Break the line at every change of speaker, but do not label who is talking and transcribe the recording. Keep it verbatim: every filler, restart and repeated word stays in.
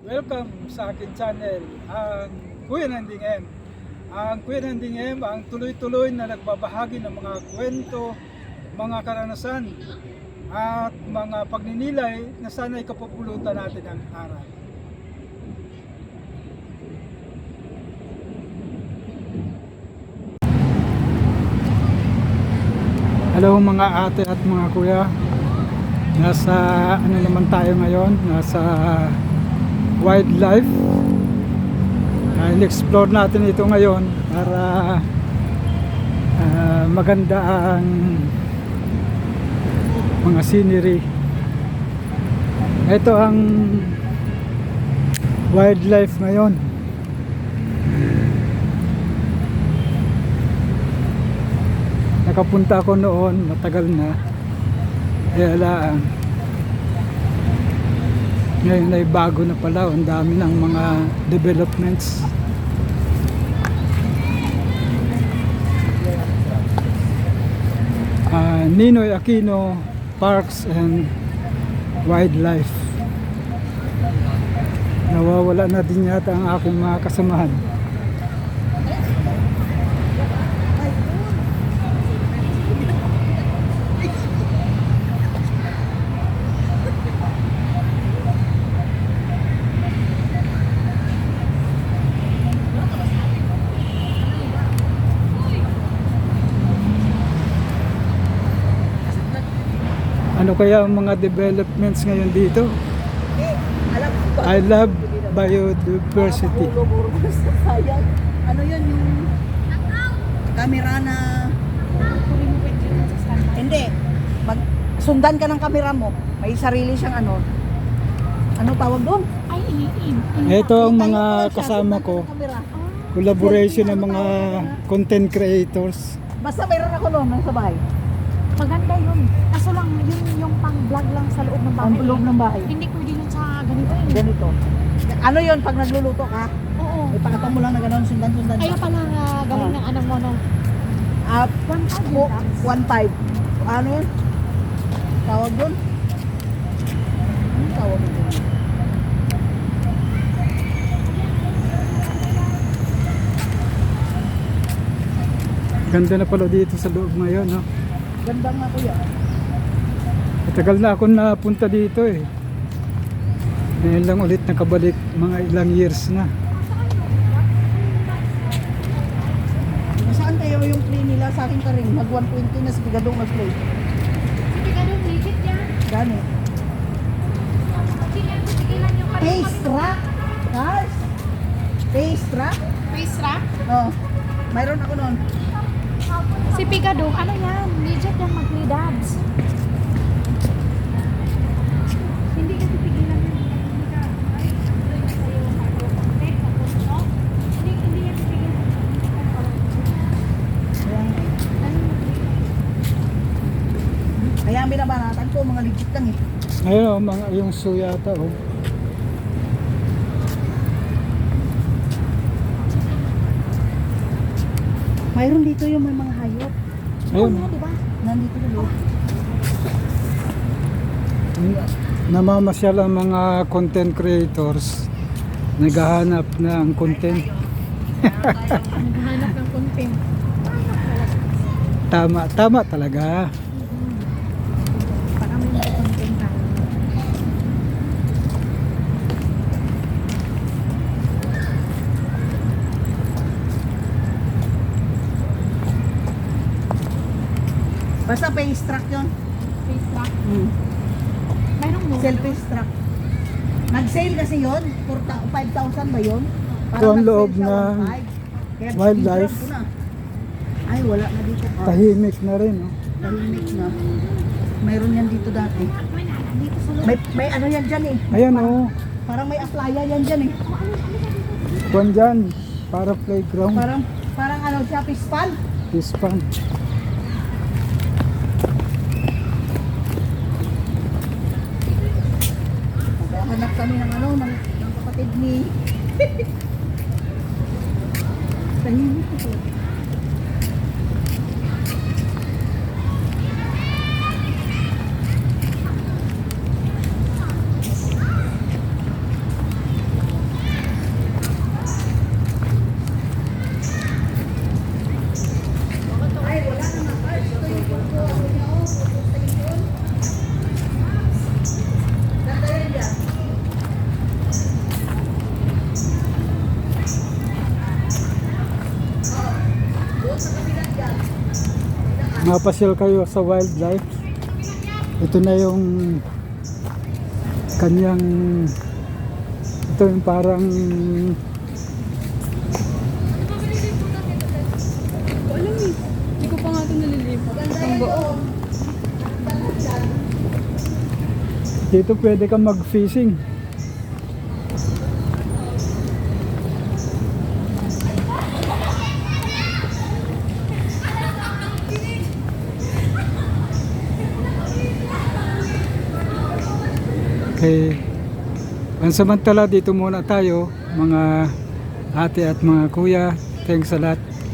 Welcome sa akin channel, ang Kuya Nanding M. Ang Kuya Nanding M ang tuloy-tuloy na nagbabahagi ng mga kwento, mga karanasan at mga pagninilay na sana'y kapupulutan natin ang aral. Hello mga ate at mga kuya. Nasa ano naman tayo ngayon? Nasa wildlife. Uh, in-explore natin ito ngayon para uh, maganda ang mga scenery. Ito ang wildlife ngayon. Nakapunta ako noon, matagal na. Kaya lang ngayon ay bago na pala, ang dami ng mga developments. uh, Ninoy Aquino Parks and Wildlife. Nawawala na din yata ang aking mga kasamahan. Ano kaya ang mga developments ngayon dito? I love biodiversity.
Ano yun yung kamera na hindi pag sundan ka ng kamera mo, may sarili siyang ano ano tawag doon?
Ay, iniin.
Ito ang mga kasama ko. Collaboration ng mga content creators.
Basta mayroon ako noon nang sa bahay.
Maganda yun. Kaso lang, yun yung pang-vlog lang sa loob ng bahay.
Ang loob ng bahay.
Hindi pwede yun sa ganito eh.
Ganito. Ano yun pag nagluluto ka?
Oo.
Ipakita mo lang na gano'n sundan-sundan.
Ayaw pala uh, galing
Oh.
ng ano mo, no?
Ah,
One five
mo
yun, Taps.
one five. Ano yun? Tawag doon? Ano tawag doon?
Ganda na pala dito sa loob ngayon, no?
Ganda nga kuya.
Matagal na ako napunta dito eh. Ngayon lang ulit nakabalik, mga ilang years na.
Saan kayo yung play nila? Sa akin ka rin. Mag one twenty na si Bigadong mag-play.
Sige, ganun, legit yan.
Gani.
Sige, tigilan yung kanina.
Face track. Guys. Face track.
Face wrap?
Oh. Mayroon ako noon.
Si Pigadong, ano yan? Legit yan, mag-play dabs. Hindi ka tigilan yan. Hindi ka, ay, sa'yo, no? Hindi, hindi yan tigilan.
Kaya ang binabanatan ko, mga legit lang eh.
Ayun oh, mga yung zoo yata oh.
Mayroon dito yung may mga hayop.
Ayun.
Oo, di ba?
Nandito na loob.
Namamasyal ang mga content creators. Naghahanap ng content.
Naghahanap ng content.
Tama, tama talaga.
Baka may mga content tayo.
Basta face track yun.
Face wrap.
Hmm.
Mayroong mo.
Selfie track. Nag-sale kasi yun. five thousand ba yun?
Ito ang loob
nag-sale siya,
ng
one five. Kaya
wildlife.
singrab ko na. Ay, wala na dito. Ah,
Tahimik na rin oh.
tahimik na. Mayroon yan dito dati.
Dito sa loob.
May, may ano yan dyan eh.
Ayan oh.
Parang may aplaya yan dyan eh.
Kuwan dyan. Para playground.
Parang, parang ano siya, pispan.
Fish pond.
Hanap kami ng ano, ng, ng kapatid ni... Tahimik ito.
mapasyal kayo sa wildlife, ito na yung kanyang, ito yung parang
Ko alam eh. Hindi ko pa nga ito nalilipat. Ang buo.
dito pwede kang mag-fishing. Okay. Pansamantala dito muna tayo mga ate at mga kuya. Thanks a lot.